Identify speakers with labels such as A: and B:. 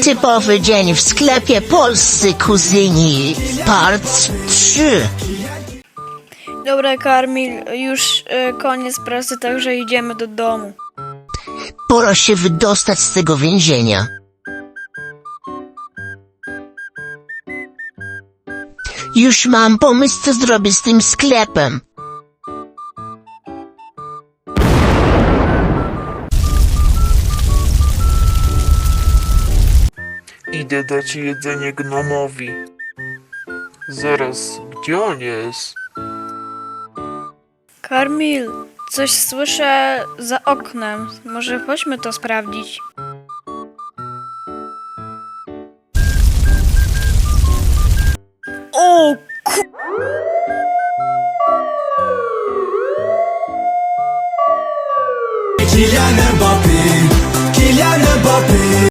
A: Typowy dzień w sklepie Polscy Kuzyni, part 3.
B: Dobra, Karmil, już koniec pracy, także idziemy do domu.
A: Pora się wydostać z tego więzienia. Już mam pomysł, co zrobię z tym sklepem.
C: Idę dać jedzenie gnomowi. Zaraz, gdzie on jest?
B: Karmil, coś słyszę za oknem. Może chodźmy to sprawdzić.